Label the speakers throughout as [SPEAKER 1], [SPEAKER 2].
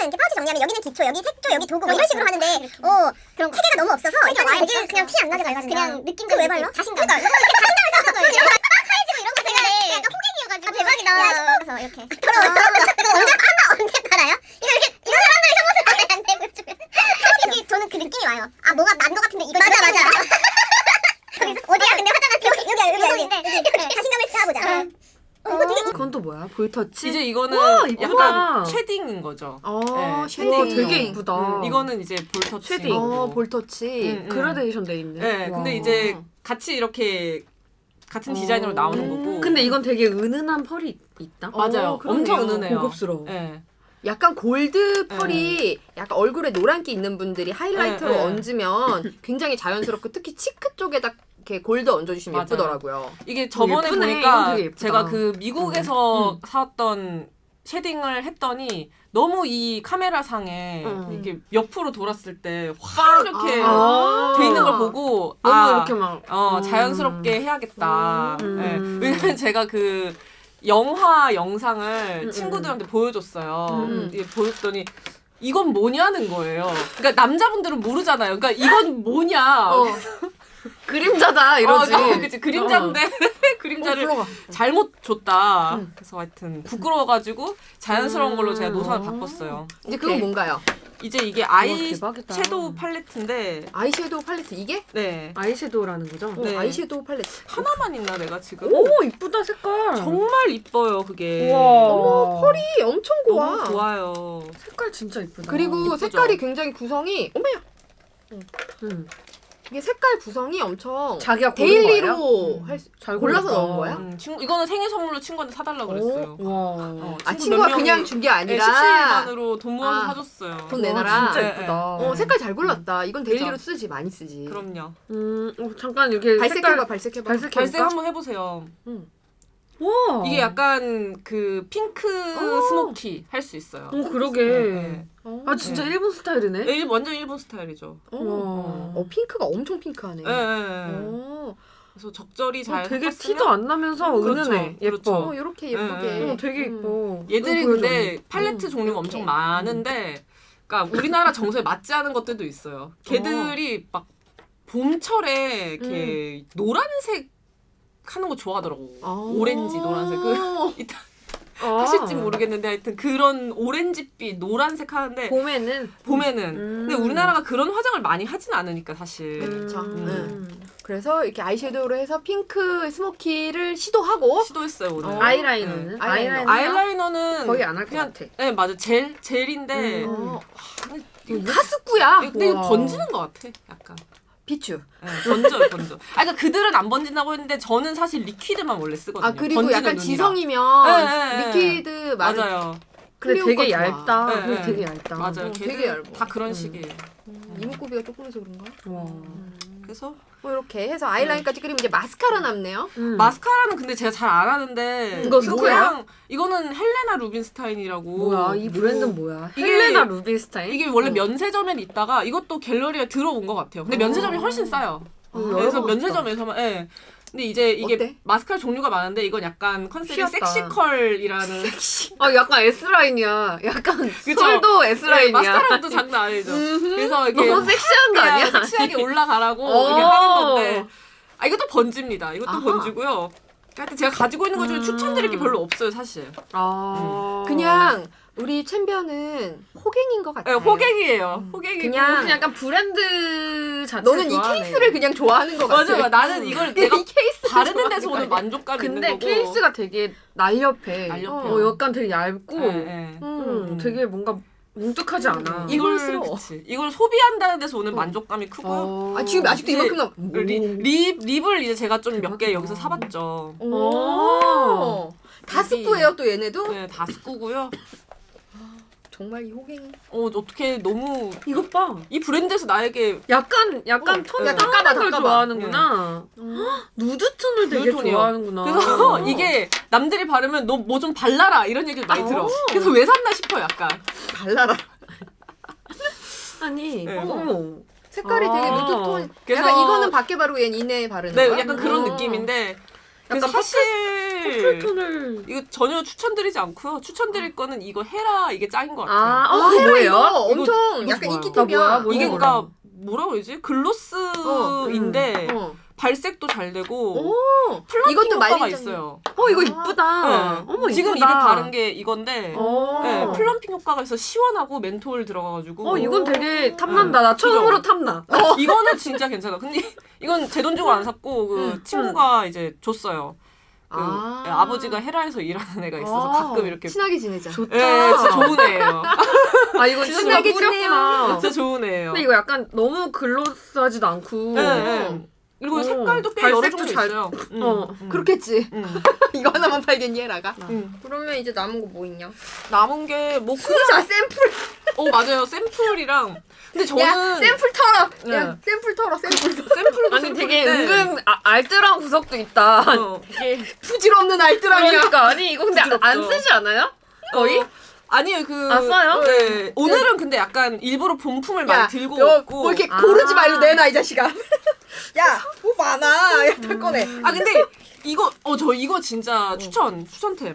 [SPEAKER 1] 이렇게 파우치 정리하면 여기는 기초, 여기 색조, 여기 도구 뭐 이런 식으로 하는데 그런 체계가 너무 없어서 일단 알지 그냥 티 안 나게 발라주면 그냥 느낌도 왜 발라? 자신감. 그러니까 이렇게 자신감을 쌓는 거예요. 사이즈고 이런 거 되게 약간 호갱이어가지고 대박이다. 그래서 이렇게 더러워. 언제 팔아요? 이거 사람들이 혐오스 하면 안 되고 좀 저는 그 느낌이 와요. 아 뭐가 난 거 같은데 이거 맞아. 어디야? 근데 화장한 여기 자신감을 쌓아보자. 이거 되게
[SPEAKER 2] 그건 또 뭐야? 볼터치?
[SPEAKER 3] 이제 이거는
[SPEAKER 2] 와,
[SPEAKER 3] 약간 쉐딩인 거죠.
[SPEAKER 2] 아,
[SPEAKER 3] 네,
[SPEAKER 2] 쉐딩
[SPEAKER 3] 쉐딩.
[SPEAKER 2] 되게 이쁘다.
[SPEAKER 3] 이거는 이제 볼터치.
[SPEAKER 2] 쉐딩.
[SPEAKER 4] 볼터치.
[SPEAKER 2] 그라데이션 돼 있네.
[SPEAKER 3] 네, 근데 이제 같이 이렇게 같은 디자인으로 나오는 거고.
[SPEAKER 2] 근데 이건 되게 은은한 펄이 있다.
[SPEAKER 3] 맞아요.
[SPEAKER 4] 그러네요.
[SPEAKER 3] 엄청 은은해요.
[SPEAKER 2] 고급스러워.
[SPEAKER 3] 네.
[SPEAKER 4] 약간 골드 펄이 약간 얼굴에 노란기 있는 분들이 하이라이터로 얹으면 굉장히 자연스럽고 특히 치크 쪽에다 이렇게 골드 얹어주시면
[SPEAKER 3] 맞아요.
[SPEAKER 4] 예쁘더라고요.
[SPEAKER 3] 이게 저번에
[SPEAKER 2] 예쁘네.
[SPEAKER 3] 보니까
[SPEAKER 2] 이건 되게 예쁘다.
[SPEAKER 3] 제가 그 미국에서 사왔던 쉐딩을 했더니 너무 이 카메라 상에 이게 옆으로 돌았을 때 확 이렇게 돼 있는 걸 보고
[SPEAKER 2] 너무 이렇게 막
[SPEAKER 3] 자연스럽게 해야겠다. 네. 왜냐면 제가 그 영화 영상을 친구들한테 보여줬어요. 이게 보였더니 이건 뭐냐는 거예요. 그러니까 남자분들은 모르잖아요. 그러니까 이건 뭐냐.
[SPEAKER 4] 그림자다 이러지.
[SPEAKER 3] 그치 그림자인데 그림자를 잘못 줬다. 그래서 하여튼 부끄러워가지고 자연스러운 걸로 제가 노선을 바꿨어요.
[SPEAKER 4] 이제 그건 뭔가요?
[SPEAKER 3] 이제 이게
[SPEAKER 2] 대박이다.
[SPEAKER 3] 아이섀도우 팔레트인데
[SPEAKER 4] 아이섀도우 팔레트 이게?
[SPEAKER 3] 네
[SPEAKER 2] 아이섀도우라는 거죠?
[SPEAKER 3] 네.
[SPEAKER 4] 아이섀도우 팔레트.
[SPEAKER 3] 하나만 있나 내가 지금?
[SPEAKER 2] 오, 이쁘다 색깔.
[SPEAKER 3] 정말 이뻐요 그게.
[SPEAKER 2] 우와.
[SPEAKER 4] 펄이 엄청 고와.
[SPEAKER 3] 너무 좋아요.
[SPEAKER 2] 색깔 진짜 이쁘다.
[SPEAKER 4] 그리고
[SPEAKER 3] 이쁘죠?
[SPEAKER 4] 색깔이 굉장히 구성이 이게 색깔 구성이 엄청
[SPEAKER 2] 자기가 고른
[SPEAKER 4] 데일리로
[SPEAKER 2] 잘
[SPEAKER 4] 골라서
[SPEAKER 2] 골랐다.
[SPEAKER 4] 넣은 거야?
[SPEAKER 3] 이거는 생일 선물로 친구한테 사달라 그랬어요.
[SPEAKER 2] 와.
[SPEAKER 4] 아
[SPEAKER 3] 친구
[SPEAKER 4] 친구가
[SPEAKER 3] 몇
[SPEAKER 4] 그냥
[SPEAKER 3] 명이
[SPEAKER 4] 준 게 아니라
[SPEAKER 3] 17만으로 돈 모아서
[SPEAKER 4] 아,
[SPEAKER 3] 사줬어요.
[SPEAKER 4] 돈 내놔라.
[SPEAKER 2] 진짜
[SPEAKER 3] 네,
[SPEAKER 2] 예쁘다.
[SPEAKER 4] 색깔 잘 골랐다. 이건 데일리로
[SPEAKER 3] 그죠?
[SPEAKER 4] 쓰지 많이 쓰지.
[SPEAKER 3] 그럼요.
[SPEAKER 2] 잠깐 이렇게
[SPEAKER 4] 발색해봐 발색해봐.
[SPEAKER 2] 발색해볼까?
[SPEAKER 3] 발색 한번 해보세요.
[SPEAKER 2] 와.
[SPEAKER 3] 이게 약간 그 핑크 스모키 할 수 있어요.
[SPEAKER 2] 오, 그러게.
[SPEAKER 3] 네.
[SPEAKER 2] 아, 진짜
[SPEAKER 3] 네.
[SPEAKER 2] 일본 스타일이네.
[SPEAKER 3] 완전 일본 스타일이죠.
[SPEAKER 4] 핑크가 엄청 핑크하네.
[SPEAKER 3] 네. 그래서 적절히 잘
[SPEAKER 2] 되게
[SPEAKER 3] 섞었으면-
[SPEAKER 2] 티도 안 나면서
[SPEAKER 3] 그렇죠.
[SPEAKER 2] 은은해. 예뻐.
[SPEAKER 3] 그렇죠.
[SPEAKER 4] 이렇게 예쁘게.
[SPEAKER 3] 네.
[SPEAKER 2] 되게 예뻐.
[SPEAKER 3] 얘들이
[SPEAKER 2] 보여줘,
[SPEAKER 3] 근데
[SPEAKER 2] 언니.
[SPEAKER 3] 팔레트 종류가
[SPEAKER 4] 이렇게.
[SPEAKER 3] 엄청 많은데, 그러니까 우리나라 정서에 맞지 않은 것들도 있어요. 걔들이 막 봄철에 이렇게 노란색 하는 거 좋아하더라고. 오렌지, 노란색. 이따 하실지 모르겠는데 하여튼 그런 오렌지빛, 노란색 하는데
[SPEAKER 2] 봄에는
[SPEAKER 3] 근데 우리나라가 그런 화장을 많이 하진 않으니까 사실.
[SPEAKER 4] 그렇죠. 그래서 이렇게 아이섀도우로 해서 핑크 스모키를 시도하고
[SPEAKER 3] 시도했어요 오늘.
[SPEAKER 2] 아이라이너는?
[SPEAKER 3] 네. 아이라이너는
[SPEAKER 2] 거의 안 할 것
[SPEAKER 3] 그냥
[SPEAKER 2] 같아.
[SPEAKER 3] 네 맞아 젤인데
[SPEAKER 4] 하스쿠야.
[SPEAKER 3] 근데 이거
[SPEAKER 2] 와.
[SPEAKER 3] 번지는 것 같아 약간.
[SPEAKER 4] 비추.
[SPEAKER 3] 네, 번져요 번져. 그러니까 그들은 안 번진다고 했는데 저는 사실 리퀴드만 원래 쓰거든요.
[SPEAKER 4] 아 그리고
[SPEAKER 3] 번지는
[SPEAKER 4] 약간
[SPEAKER 3] 눈이라.
[SPEAKER 4] 지성이면
[SPEAKER 3] 네.
[SPEAKER 4] 리퀴드
[SPEAKER 3] 맞아요.
[SPEAKER 2] 근데
[SPEAKER 4] 클리오
[SPEAKER 2] 되게
[SPEAKER 4] 거 좋아.
[SPEAKER 2] 얇다.
[SPEAKER 3] 네,
[SPEAKER 2] 근데
[SPEAKER 3] 네.
[SPEAKER 2] 되게 얇다.
[SPEAKER 3] 맞아요.
[SPEAKER 4] 되게
[SPEAKER 3] 걔들
[SPEAKER 4] 얇아.
[SPEAKER 3] 다 그런 식이에요.
[SPEAKER 4] 이목구비가 조금해서 그런가?
[SPEAKER 2] 와.
[SPEAKER 3] 그래서
[SPEAKER 4] 이렇게 해서 아이라인까지 그리면 이제 마스카라 남네요.
[SPEAKER 3] 마스카라는 근데 제가 잘 안 하는데
[SPEAKER 2] 이거
[SPEAKER 3] 그거
[SPEAKER 2] 뭐야?
[SPEAKER 3] 그냥 이거는 헬레나 루빈스타인이라고.
[SPEAKER 2] 뭐야? 이 브랜드는 뭐야?
[SPEAKER 3] 이게-
[SPEAKER 2] 헬레나 루빈스타인?
[SPEAKER 3] 이게 원래 면세점에 있다가 이것도 갤러리에 들어온 것 같아요. 근데 면세점이 훨씬 싸요. 그래서
[SPEAKER 2] 열어봤다.
[SPEAKER 3] 면세점에서만 예. 근데 이제 이게
[SPEAKER 4] 어때?
[SPEAKER 3] 마스카라 종류가 많은데 이건 약간 컨셉이
[SPEAKER 2] 귀엽다.
[SPEAKER 3] 섹시컬이라는
[SPEAKER 2] 약간 S라인이야. 약간
[SPEAKER 3] 그쵸?
[SPEAKER 2] 솔도
[SPEAKER 3] 네,
[SPEAKER 2] S라인이야.
[SPEAKER 3] 마스카라도 장난 아니죠. 그래서 이렇게
[SPEAKER 2] 너무 섹시한 거 아니야?
[SPEAKER 3] 그냥 섹시하게 올라가라고
[SPEAKER 2] 어.
[SPEAKER 3] 이렇게 하는 건데 이것도 번집니다. 이것도
[SPEAKER 4] 아하.
[SPEAKER 3] 번지고요. 하여튼 제가 가지고 있는 것 중에 추천드릴 게 별로 없어요 사실.
[SPEAKER 4] 그냥 우리 챔피언은 호갱인 것
[SPEAKER 3] 네,
[SPEAKER 4] 같아요.
[SPEAKER 3] 호갱이에요. 호갱이고
[SPEAKER 4] 그냥
[SPEAKER 2] 약간 브랜드 자체
[SPEAKER 4] 너는 이 케이스를 그냥 좋아하는 것 같아.
[SPEAKER 3] 맞아. 나는 이걸 내가
[SPEAKER 4] 이 케이스
[SPEAKER 3] 바르는 데서 오는 만족감이 있는
[SPEAKER 2] 근데
[SPEAKER 3] 거고.
[SPEAKER 2] 케이스가 되게 날렵해.
[SPEAKER 3] 날렵해요.
[SPEAKER 2] 약간 되게 얇고
[SPEAKER 3] 네.
[SPEAKER 2] 되게 뭔가 뭉툭하지 않아.
[SPEAKER 4] 이걸 쓸어.
[SPEAKER 3] 그치. 이걸 소비한다는 데서 오는 만족감이 크고요.
[SPEAKER 4] 아 지금 아직도
[SPEAKER 3] 이제
[SPEAKER 4] 이만큼 남.
[SPEAKER 3] 립을 이제 제가 좀 몇 개
[SPEAKER 2] 대박이다.
[SPEAKER 3] 여기서 사봤죠.
[SPEAKER 4] 다 스프예요 또 얘네도?
[SPEAKER 3] 네, 다 쓰고요.
[SPEAKER 4] 정말 이 호갱이.
[SPEAKER 3] 어떻게 너무
[SPEAKER 2] 이것 봐.
[SPEAKER 3] 이 브랜드에서 나에게
[SPEAKER 2] 약간 톤이
[SPEAKER 3] 네.
[SPEAKER 2] 까만 걸
[SPEAKER 4] 닦아봐.
[SPEAKER 2] 좋아하는구나. 누드 톤을 되게
[SPEAKER 3] 누드톤이요.
[SPEAKER 2] 좋아하는구나.
[SPEAKER 3] 그래서 이게 남들이 바르면 너 뭐 좀 발라라 이런 얘기를 많이 들어. 그래서 왜 샀나 싶어 약간.
[SPEAKER 4] 발라라.
[SPEAKER 2] 아니,
[SPEAKER 3] 네.
[SPEAKER 2] 어머.
[SPEAKER 4] 색깔이 되게 누드톤.
[SPEAKER 3] 그래서-
[SPEAKER 4] 약간 이거는 밖에 바르고 얘는 이내에 바르는
[SPEAKER 3] 네,
[SPEAKER 4] 거야?
[SPEAKER 3] 약간 그런 느낌인데. 그래서
[SPEAKER 2] 약간
[SPEAKER 3] 사실 사실
[SPEAKER 2] 톤을
[SPEAKER 3] 이거 전혀 추천드리지 않고요. 추천드릴 거는 이거 헤라 이게 짱인 것 같아요.
[SPEAKER 2] 그거
[SPEAKER 4] 헤라
[SPEAKER 2] 뭐예요?
[SPEAKER 4] 이거 엄청
[SPEAKER 3] 이거
[SPEAKER 4] 약간
[SPEAKER 3] 뭐야?
[SPEAKER 4] 인기템이야.
[SPEAKER 2] 나 뭐야?
[SPEAKER 3] 이게
[SPEAKER 2] 몰라.
[SPEAKER 3] 그러니까 뭐라 그러지? 글로스인데 발색도 잘 되고 플럼핑
[SPEAKER 4] 이것도
[SPEAKER 3] 효과가
[SPEAKER 4] 말리잖아.
[SPEAKER 3] 있어요.
[SPEAKER 2] 이거 이쁘다.
[SPEAKER 3] 네.
[SPEAKER 2] 어머
[SPEAKER 3] 지금
[SPEAKER 2] 이쁘다.
[SPEAKER 3] 입에 바른 게 이건데
[SPEAKER 2] 어.
[SPEAKER 3] 네, 플럼핑 효과가 있어 시원하고 멘톨 들어가가지고
[SPEAKER 2] 이건 되게 탐난다. 나 처음으로 탐나.
[SPEAKER 3] 이거는 진짜 괜찮아. 근데 이건 제 돈 주고 안 샀고 그 친구가 이제 줬어요. 그 아버지가 헤라에서 일하는 애가 있어서 가끔 이렇게
[SPEAKER 4] 친하게 지내자.
[SPEAKER 2] 좋다.
[SPEAKER 3] 예, 진짜 좋은 애예요.
[SPEAKER 2] 이건 진짜
[SPEAKER 4] 친하게
[SPEAKER 2] 뿌렸구나.
[SPEAKER 3] 진짜 좋은 애예요.
[SPEAKER 2] 근데 이거 약간 너무 글로스하지도 않고.
[SPEAKER 3] 네. 그리고 색깔도 꽤 여러
[SPEAKER 2] 발색도
[SPEAKER 3] 종류
[SPEAKER 2] 잘-
[SPEAKER 3] 있어요.
[SPEAKER 4] 그렇겠지.
[SPEAKER 3] 음.
[SPEAKER 4] 이거 하나만 팔겠니 헤라가?
[SPEAKER 3] 음.
[SPEAKER 4] 그러면 이제 남은 거 뭐 있냐?
[SPEAKER 3] 남은 게뭐
[SPEAKER 4] 자 샘플.
[SPEAKER 3] 맞아요. 샘플이랑 근데 저는
[SPEAKER 4] 야 샘플 털어.
[SPEAKER 3] 네.
[SPEAKER 4] 야 샘플 털어 샘플.
[SPEAKER 3] 샘플도
[SPEAKER 2] 아니 되게
[SPEAKER 3] 샘플인데
[SPEAKER 2] 은근 알뜰한 구석도 있다. 되게
[SPEAKER 4] 부질없는 알뜰함이야.
[SPEAKER 2] 그러니까 아니 이거 근데
[SPEAKER 3] 부드럽죠.
[SPEAKER 2] 안 쓰지 않아요? 거의?
[SPEAKER 3] 아니에요.
[SPEAKER 2] 써요?
[SPEAKER 3] 네. 오늘은 근데 약간 일부러 본품을 많이 들고 왔고.
[SPEAKER 4] 뭐 이렇게
[SPEAKER 2] 아.
[SPEAKER 4] 고르지 말고 내놔 이 자식아. 야, 뭐 많아. 야, 탈 거네.
[SPEAKER 3] 근데 이거 저 이거 진짜 추천템.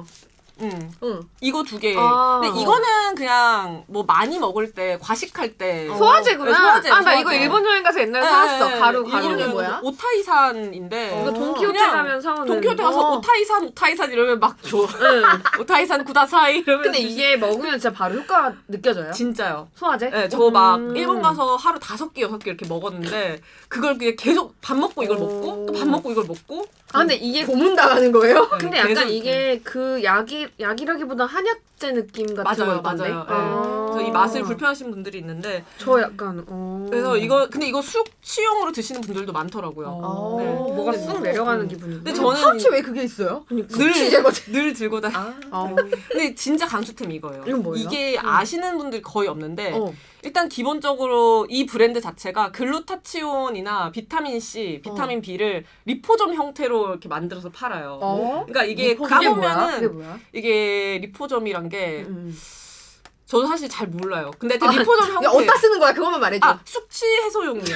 [SPEAKER 4] 응.
[SPEAKER 3] 이거 2개.
[SPEAKER 2] 아.
[SPEAKER 3] 근데 이거는 그냥 뭐 많이 먹을 때 과식할 때
[SPEAKER 2] 소화제구나.
[SPEAKER 3] 네, 소화제.
[SPEAKER 2] 나 이거 일본 여행 가서 옛날에 사왔어. 가루.
[SPEAKER 3] 이름이
[SPEAKER 4] 뭐야?
[SPEAKER 3] 오타이산인데.
[SPEAKER 2] 이거 돈키호테
[SPEAKER 3] 그냥
[SPEAKER 2] 가면 사오는.
[SPEAKER 3] 돈키호테 가서 오타이산 이러면 막 줘.
[SPEAKER 2] 응.
[SPEAKER 3] 오타이산 구다사이 이러면.
[SPEAKER 2] 근데 이게 먹으면 진짜 바로 효과 느껴져요?
[SPEAKER 3] 진짜요.
[SPEAKER 2] 소화제?
[SPEAKER 3] 네, 저 막 일본 가서 하루 5개, 6개 이렇게 먹었는데 그걸 그냥 계속 밥 먹고 이걸 먹고 또 밥 먹고 이걸 먹고.
[SPEAKER 2] 근데 이게
[SPEAKER 4] 고문 당하는 거예요?
[SPEAKER 2] 근데
[SPEAKER 3] 계속
[SPEAKER 2] 약간 이게 그 약이라기보다 한약재 느낌 같은
[SPEAKER 3] 맞아요,
[SPEAKER 2] 거 있던데?
[SPEAKER 3] 맞아요. 그래서 이 맛을 불편하시는 분들이 있는데
[SPEAKER 2] 저 약간
[SPEAKER 3] 그래서 근데 이거 숙취용으로 드시는 분들도 많더라고요.
[SPEAKER 2] 네. 뭐가 쑥 내려가는 기분이.
[SPEAKER 3] 근데 저는
[SPEAKER 4] 파우치 왜 그게 있어요?
[SPEAKER 3] 늘 들고 다. 근데 진짜 강추템 이거예요.
[SPEAKER 2] 이건 뭐예요?
[SPEAKER 3] 이게 아시는 분들 거의 없는데
[SPEAKER 2] 어.
[SPEAKER 3] 일단 기본적으로 이 브랜드 자체가 글루타치온이나 비타민 C, 비타민 B를 리포점 형태로 이렇게 만들어서 팔아요. 그러니까 이게
[SPEAKER 2] 그게
[SPEAKER 3] 가보면은
[SPEAKER 2] 뭐야?
[SPEAKER 3] 이게 리포점이란 게 저도 사실 잘 몰라요. 근데 리포점 형태.
[SPEAKER 4] 야, 어디다 쓰는 거야? 그것만 말해줘.
[SPEAKER 3] 숙취 해소용이야.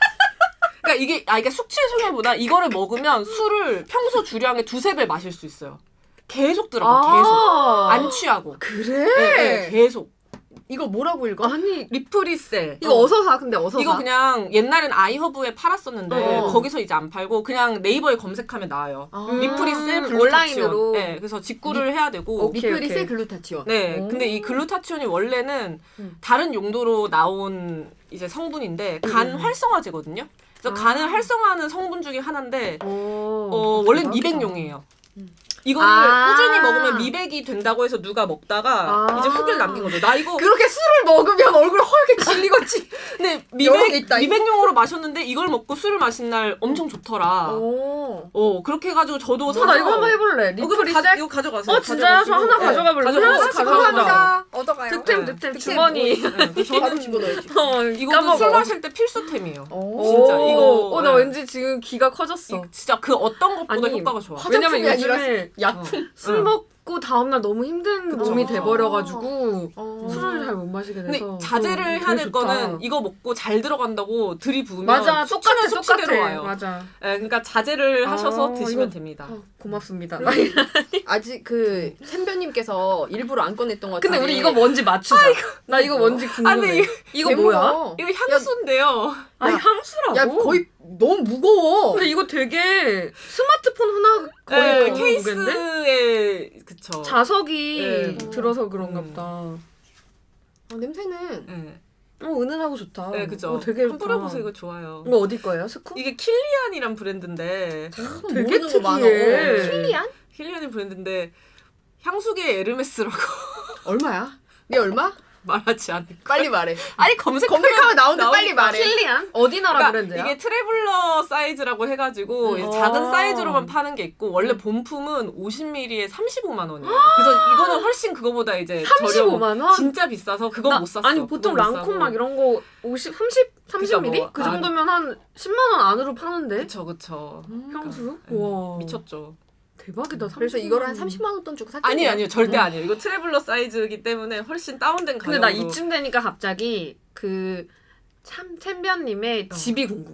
[SPEAKER 3] 그러니까 이게 숙취 해소용보다 이거를 먹으면 술을 평소 주량의 2-3배 마실 수 있어요. 계속 들어가, 계속. 안 취하고.
[SPEAKER 4] 그래?
[SPEAKER 3] 네, 계속.
[SPEAKER 4] 이거 뭐라고 읽어?
[SPEAKER 2] 아니
[SPEAKER 3] 리프리셀.
[SPEAKER 4] 이거 어서 사. 근데 어서
[SPEAKER 3] 이거
[SPEAKER 4] 사.
[SPEAKER 3] 그냥 옛날엔 아이허브에 팔았었는데 거기서 이제 안 팔고 그냥 네이버에 검색하면 나와요. 리프리셀 글루타치온.
[SPEAKER 2] 온라인으로.
[SPEAKER 3] 네, 그래서 직구를 해야 되고.
[SPEAKER 4] 리프리셀
[SPEAKER 2] 오케이.
[SPEAKER 4] 글루타치온.
[SPEAKER 3] 네, 근데 이 글루타치온이 원래는 다른 용도로 나온 이제 성분인데 간 활성화제거든요. 그래서 간을 활성화하는 성분 중에 하나인데 원래는 미백용이에요. 이거를 꾸준히 먹으면 미백이 된다고 해서 누가 먹다가 이제 후기를 남긴 거죠. 나 이거
[SPEAKER 4] 그렇게 술을 먹으면 얼굴 허옇게 질리겠지.
[SPEAKER 3] 근데
[SPEAKER 4] 여러 개 있다,
[SPEAKER 3] 미백용으로 마셨는데 이걸 먹고 술을 마신 날 엄청 좋더라. 그렇게 해가지고 저도 사서
[SPEAKER 2] 나 이거 한번 해볼래.
[SPEAKER 3] 그럼
[SPEAKER 2] 리프리셀?
[SPEAKER 3] 이거 가져가세요.
[SPEAKER 2] 진짜요? 저 하나 가져가 볼래요. 하나씩
[SPEAKER 3] 가져가자.
[SPEAKER 2] 가져가자.
[SPEAKER 4] 얻어가요.
[SPEAKER 2] 득템
[SPEAKER 3] 네.
[SPEAKER 2] 득템 주머니.
[SPEAKER 4] 바로 집어넣어야지.
[SPEAKER 3] 이거는 술 마실 때 필수템이에요. 진짜 이거.
[SPEAKER 2] 나 왠지 지금 귀가 커졌어.
[SPEAKER 3] 진짜 그 어떤 것보다
[SPEAKER 2] 아니,
[SPEAKER 3] 효과가 좋아.
[SPEAKER 2] 왜냐면
[SPEAKER 4] 화장품이
[SPEAKER 2] 요즘에
[SPEAKER 4] 약품.
[SPEAKER 2] 술 먹고 다음날 너무 힘든 몸이 돼버려가지고 술을 잘 못 마시게
[SPEAKER 3] 근데
[SPEAKER 2] 돼서.
[SPEAKER 3] 자제를 해야
[SPEAKER 2] 되게
[SPEAKER 3] 될
[SPEAKER 2] 좋다.
[SPEAKER 3] 거는 이거 먹고 잘 들어간다고 들이부으면
[SPEAKER 2] 맞아
[SPEAKER 3] 숙취는
[SPEAKER 2] 똑같아
[SPEAKER 3] 숙취대로 와요.
[SPEAKER 2] 맞아.
[SPEAKER 3] 네, 그러니까 자제를 하셔서 드시면
[SPEAKER 2] 이거-
[SPEAKER 3] 됩니다.
[SPEAKER 2] 고맙습니다.
[SPEAKER 4] 아직 그 샘변님께서 일부러 안 꺼냈던 것 같은데.
[SPEAKER 2] 근데 우리 이거 뭔지 맞추자. 나 이거 뭔지 궁금해.
[SPEAKER 3] 아니,
[SPEAKER 2] 이거 뭐야?
[SPEAKER 3] 이거 향수인데요.
[SPEAKER 2] 아니 향수라고?
[SPEAKER 4] 야 거의 너무 무거워.
[SPEAKER 2] 근데 이거 되게 스마트폰 하나 거의
[SPEAKER 3] 네,
[SPEAKER 2] 무게인데?
[SPEAKER 3] 케이스에 그쵸.
[SPEAKER 2] 자석이
[SPEAKER 3] 네.
[SPEAKER 2] 들어서 그런가 보다.
[SPEAKER 4] 냄새는
[SPEAKER 3] 네,
[SPEAKER 2] 은은하고 좋다.
[SPEAKER 3] 네 그죠.
[SPEAKER 2] 되게
[SPEAKER 3] 한번
[SPEAKER 2] 좋다.
[SPEAKER 3] 뿌려보세요. 이거 좋아요.
[SPEAKER 2] 이거 어디 거예요? 스쿠?
[SPEAKER 3] 이게 킬리안이란 브랜드인데
[SPEAKER 2] 되게
[SPEAKER 4] 모르는 거 많아.
[SPEAKER 2] 특이해.
[SPEAKER 4] 킬리안?
[SPEAKER 3] 킬리안이 브랜드인데 향수계 에르메스라고
[SPEAKER 4] 얼마야? 이게 얼마?
[SPEAKER 3] 말하지 않을 거.
[SPEAKER 4] 빨리 말해.
[SPEAKER 3] 아니
[SPEAKER 4] 검색하면 나오는데 빨리
[SPEAKER 3] 나오니까.
[SPEAKER 4] 말해.
[SPEAKER 2] 킬리안? 어디 나라
[SPEAKER 3] 그러니까
[SPEAKER 2] 브랜드야?
[SPEAKER 3] 이게 트래블러 사이즈라고 해가지고 이제 작은 사이즈로만 파는 게 있고 원래 본품은 50ml에 35만 원이에요. 그래서 이거는 훨씬 그거보다 이제
[SPEAKER 2] 35만 원?
[SPEAKER 3] 진짜 비싸서 그건 못 샀어.
[SPEAKER 2] 아니 보통
[SPEAKER 3] 그건 못
[SPEAKER 2] 랑콤
[SPEAKER 3] 사고.
[SPEAKER 2] 막 이런 거 30ml?
[SPEAKER 3] 뭐,
[SPEAKER 2] 그 정도면 한 10만 원 안으로 파는데?
[SPEAKER 3] 그쵸.
[SPEAKER 2] 향수?
[SPEAKER 3] 네,
[SPEAKER 2] 와
[SPEAKER 3] 미쳤죠.
[SPEAKER 2] 대박이다.
[SPEAKER 4] 그래서
[SPEAKER 2] 35만
[SPEAKER 4] 이거를 한
[SPEAKER 2] 원.
[SPEAKER 4] 30만 원 돈 주고 샀거든요.
[SPEAKER 3] 아니에요. 절대 아니에요. 이거 트래블러 사이즈이기 때문에 훨씬 다운된 가격으로.
[SPEAKER 2] 근데 나 이쯤 되니까 갑자기 그 챔변님의 집이 궁금해.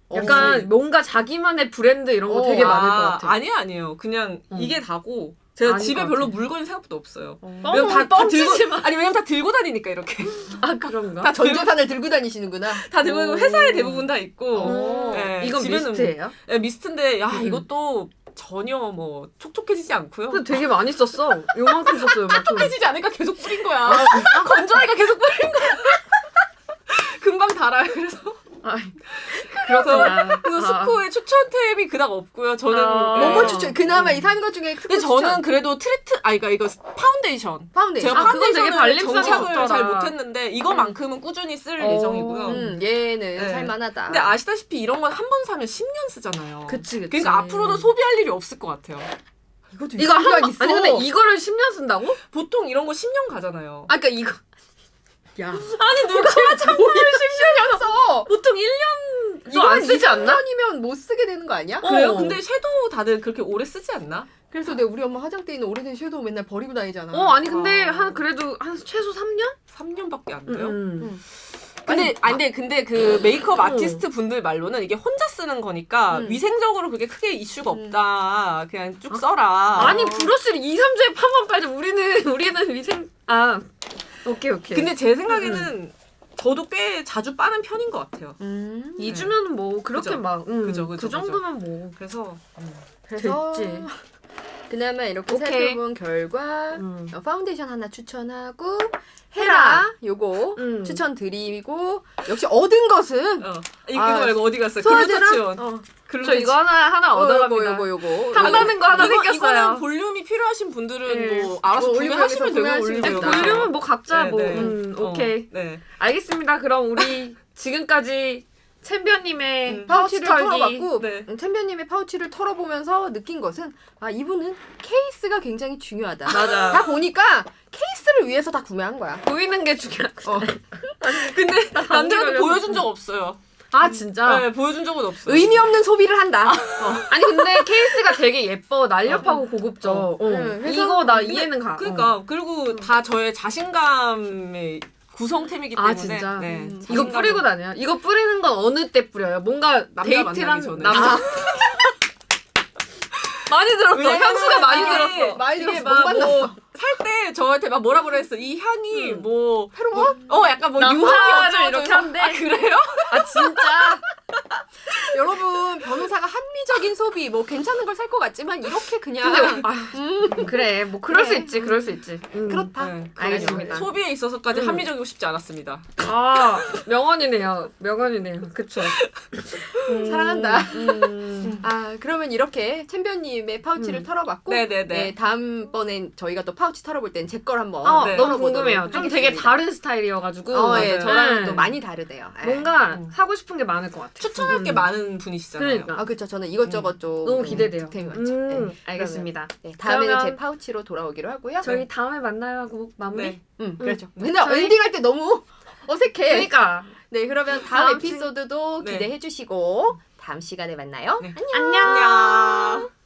[SPEAKER 2] 약간 뭔가 자기만의 브랜드 이런 거 되게 많을 것 같아.
[SPEAKER 3] 아니에요. 그냥 이게 다고 제가
[SPEAKER 2] 아닐
[SPEAKER 3] 집에
[SPEAKER 2] 것
[SPEAKER 3] 별로
[SPEAKER 2] 같아.
[SPEAKER 3] 물건이 생각보다 없어요.
[SPEAKER 2] 왜냐면 다
[SPEAKER 3] 들고 왜냐면 다 들고 다니니까 이렇게
[SPEAKER 2] 아 그런가?
[SPEAKER 3] 다
[SPEAKER 4] 전 재산을 들고 다니시는구나.
[SPEAKER 3] 다 들고 다니고 회사에 대부분 다 있고.
[SPEAKER 2] 오.
[SPEAKER 3] 네,
[SPEAKER 2] 이건
[SPEAKER 3] 집에는
[SPEAKER 2] 미스트예요?
[SPEAKER 3] 네, 미스트인데 이것도 전혀 뭐 촉촉해지지 않고요.
[SPEAKER 2] 근데 되게 많이 썼어. 요만큼 썼어 요만큼.
[SPEAKER 3] 촉촉해지지 않으니까 계속 뿌린 거야. 건조하니까 계속 뿌린 거야. 금방 달아요. 그래서
[SPEAKER 2] 그렇구나.
[SPEAKER 3] 그래서 스코의 추천템이 그닥 없고요. 저는
[SPEAKER 4] 뭐뭐 추천? 그나마 이 산 것 중에 스코
[SPEAKER 3] 근데 저는
[SPEAKER 4] 추천.
[SPEAKER 3] 그래도 그러니까 이거 파운데이션.
[SPEAKER 4] 파운데이션.
[SPEAKER 3] 제가
[SPEAKER 2] 그건 되게
[SPEAKER 3] 파운데이션을
[SPEAKER 2] 발림성이
[SPEAKER 3] 정착을
[SPEAKER 2] 좋더라.
[SPEAKER 3] 잘 못했는데 이거만큼은 꾸준히 쓸 예정이고요.
[SPEAKER 4] 얘는
[SPEAKER 3] 네.
[SPEAKER 4] 살만하다.
[SPEAKER 3] 근데 아시다시피 이런 건 한 번 사면 10년 쓰잖아요.
[SPEAKER 2] 그치.
[SPEAKER 3] 그러니까 앞으로는 소비할 일이 없을 것 같아요.
[SPEAKER 4] 이것도
[SPEAKER 2] 이거 한 번,
[SPEAKER 4] 있어.
[SPEAKER 2] 아니 근데 이거를 10년 쓴다고?
[SPEAKER 3] 보통 이런 거 10년 가잖아요.
[SPEAKER 2] 아 그러니까 이거
[SPEAKER 4] 야.
[SPEAKER 2] 아니 누가 참고를 10년이나
[SPEAKER 4] 써.
[SPEAKER 2] 보통 1년도
[SPEAKER 4] 이거
[SPEAKER 2] 안 쓰지 않나?
[SPEAKER 4] 10년이면 못 쓰게 되는 거 아니야?
[SPEAKER 3] 그래요?
[SPEAKER 2] 어.
[SPEAKER 3] 근데 섀도우 다들 그렇게 오래 쓰지 않나?
[SPEAKER 4] 그래서 내 우리 엄마 화장대에 있는 오래된 섀도우 맨날 버리고 다니잖아.
[SPEAKER 2] 아니 근데 그래도 한 최소 3년?
[SPEAKER 3] 3년밖에 안 돼요? 근데 그 메이크업 아티스트 분들 말로는 이게 혼자 쓰는 거니까 위생적으로 그게 크게 이슈가 없다. 그냥 쭉 써라.
[SPEAKER 2] 아니 브러쉬를 2, 3주에 한 번 빨자. 우리는 위생 오케이.
[SPEAKER 3] 근데 제 생각에는 저도 꽤 자주 빠는 편인 것 같아요.
[SPEAKER 2] 2주면 뭐 그렇게
[SPEAKER 3] 그죠.
[SPEAKER 2] 막
[SPEAKER 3] 그죠.
[SPEAKER 2] 그 정도면 뭐
[SPEAKER 3] 그래서
[SPEAKER 4] 그래서
[SPEAKER 2] 됐지.
[SPEAKER 4] 그나마 이렇게
[SPEAKER 2] 오케이.
[SPEAKER 4] 살펴본 결과 파운데이션 하나 추천하고
[SPEAKER 2] 헤라.
[SPEAKER 4] 헤라 요거 추천드리고 역시 얻은 것은
[SPEAKER 3] 이거
[SPEAKER 4] 아,
[SPEAKER 3] 말고 어디 갔어요?
[SPEAKER 4] 소화제랑
[SPEAKER 3] 글루타치온.
[SPEAKER 2] 저 이거 하나 얻어갑니다.
[SPEAKER 4] 요거
[SPEAKER 2] 탐나는 거 하나
[SPEAKER 3] 이거는
[SPEAKER 2] 생겼어요.
[SPEAKER 3] 볼륨이 필요하신 분들은
[SPEAKER 2] 네.
[SPEAKER 3] 뭐 알아서
[SPEAKER 4] 올리브영에서
[SPEAKER 3] 구매하시면 되고
[SPEAKER 4] 구매하시면
[SPEAKER 3] 올리브영.
[SPEAKER 4] 됩니다.
[SPEAKER 2] 볼륨은 뭐 각자
[SPEAKER 3] 네,
[SPEAKER 2] 뭐
[SPEAKER 3] 네.
[SPEAKER 2] 오케이.
[SPEAKER 3] 네.
[SPEAKER 2] 알겠습니다. 그럼 우리 지금까지 챔피언님의
[SPEAKER 4] 파우치를
[SPEAKER 2] 털기.
[SPEAKER 4] 털어봤고
[SPEAKER 3] 네.
[SPEAKER 4] 챔피언님의 파우치를 털어보면서 느낀 것은 이분은 케이스가 굉장히 중요하다.
[SPEAKER 2] 맞아.
[SPEAKER 4] 다 보니까 케이스를 위해서 다 구매한 거야.
[SPEAKER 2] 보이는 게 중요하고.
[SPEAKER 3] 근데 남들한테
[SPEAKER 2] 걸려서.
[SPEAKER 3] 보여준 적 없어요.
[SPEAKER 2] 아 진짜.
[SPEAKER 3] 네, 보여준 적은 없어요.
[SPEAKER 4] 의미 없는 소비를 한다.
[SPEAKER 2] 아니 근데 케이스가 되게 예뻐. 날렵하고 고급져.
[SPEAKER 4] 그래서
[SPEAKER 2] 이거 나 이해는 가.
[SPEAKER 3] 그러니까 그리고 다 저의 자신감의 구성템이기 때문에
[SPEAKER 2] 진짜?
[SPEAKER 3] 네,
[SPEAKER 2] 이거
[SPEAKER 3] 자신감을-
[SPEAKER 2] 뿌리고 다녀요? 이거 뿌리는 건 어느 때 뿌려요? 뭔가
[SPEAKER 3] 남자
[SPEAKER 2] 데이트랑
[SPEAKER 3] 만나기 전에.
[SPEAKER 2] 많이 들었어.
[SPEAKER 3] 왜냐면은
[SPEAKER 2] 향수가 많이
[SPEAKER 3] 이게
[SPEAKER 2] 들었어.
[SPEAKER 4] 많이
[SPEAKER 3] 이게
[SPEAKER 4] 들었어.
[SPEAKER 3] 막
[SPEAKER 4] 못 만났어.
[SPEAKER 3] 뭐 살 때 저한테 막 뭐라 그랬어. 이 향이 뭐
[SPEAKER 4] 페로몬?
[SPEAKER 3] 약간 뭐
[SPEAKER 2] 나화를
[SPEAKER 3] 유황이 어쩌고
[SPEAKER 2] 이렇게
[SPEAKER 3] 저쩌고.
[SPEAKER 2] 한대.
[SPEAKER 3] 아 그래요?
[SPEAKER 2] 아 진짜.
[SPEAKER 4] 여러분 변호사가 합리적인 소비 뭐 괜찮은 걸 살 것 같지만 이렇게 그냥
[SPEAKER 2] 근데 그래 뭐 그럴 수 있지. 그럴 수 있지.
[SPEAKER 4] 그렇다.
[SPEAKER 3] 네,
[SPEAKER 2] 알겠습니다.
[SPEAKER 3] 소비에 있어서까지 합리적이고 싶지 않았습니다.
[SPEAKER 2] 아 명언이네요. 그쵸.
[SPEAKER 4] 사랑한다. 그러면 이렇게 챔피언님의 파우치를 털어봤고
[SPEAKER 3] 네네네.
[SPEAKER 4] 네, 다음번엔 저희가 또 파우치 털어볼 땐 제 걸 한번
[SPEAKER 3] 네.
[SPEAKER 2] 너무
[SPEAKER 4] 털어보도록
[SPEAKER 2] 궁금해요. 좀 되게
[SPEAKER 4] 하겠습니다.
[SPEAKER 2] 다른 스타일이어가지고
[SPEAKER 4] 예,
[SPEAKER 3] 맞아요.
[SPEAKER 4] 저랑
[SPEAKER 2] 네.
[SPEAKER 4] 또 많이 다르대요. 예.
[SPEAKER 2] 뭔가 사고 싶은 게 많을 것 같아.
[SPEAKER 3] 추천할 게 많은 분이시잖아요.
[SPEAKER 2] 그러니까.
[SPEAKER 4] 그렇죠. 저는 이것저것 좀
[SPEAKER 2] 너무 기대돼요.
[SPEAKER 4] 득템이 많죠. 네.
[SPEAKER 2] 알겠습니다.
[SPEAKER 4] 네, 다음에는
[SPEAKER 2] 그러면
[SPEAKER 4] 제 파우치로 돌아오기로 하고요.
[SPEAKER 2] 저희 다음에 만나요 하고 마무리.
[SPEAKER 3] 네.
[SPEAKER 4] 그렇죠. 맨날
[SPEAKER 2] 저희-
[SPEAKER 4] 엔딩할 때 너무 어색해.
[SPEAKER 2] 그러니까
[SPEAKER 4] 네, 그러면 다음
[SPEAKER 2] 다음
[SPEAKER 4] 에피소드도
[SPEAKER 3] 네.
[SPEAKER 4] 기대해 주시고 다음 시간에 만나요.
[SPEAKER 3] 네.
[SPEAKER 2] 안녕.
[SPEAKER 3] 안녕.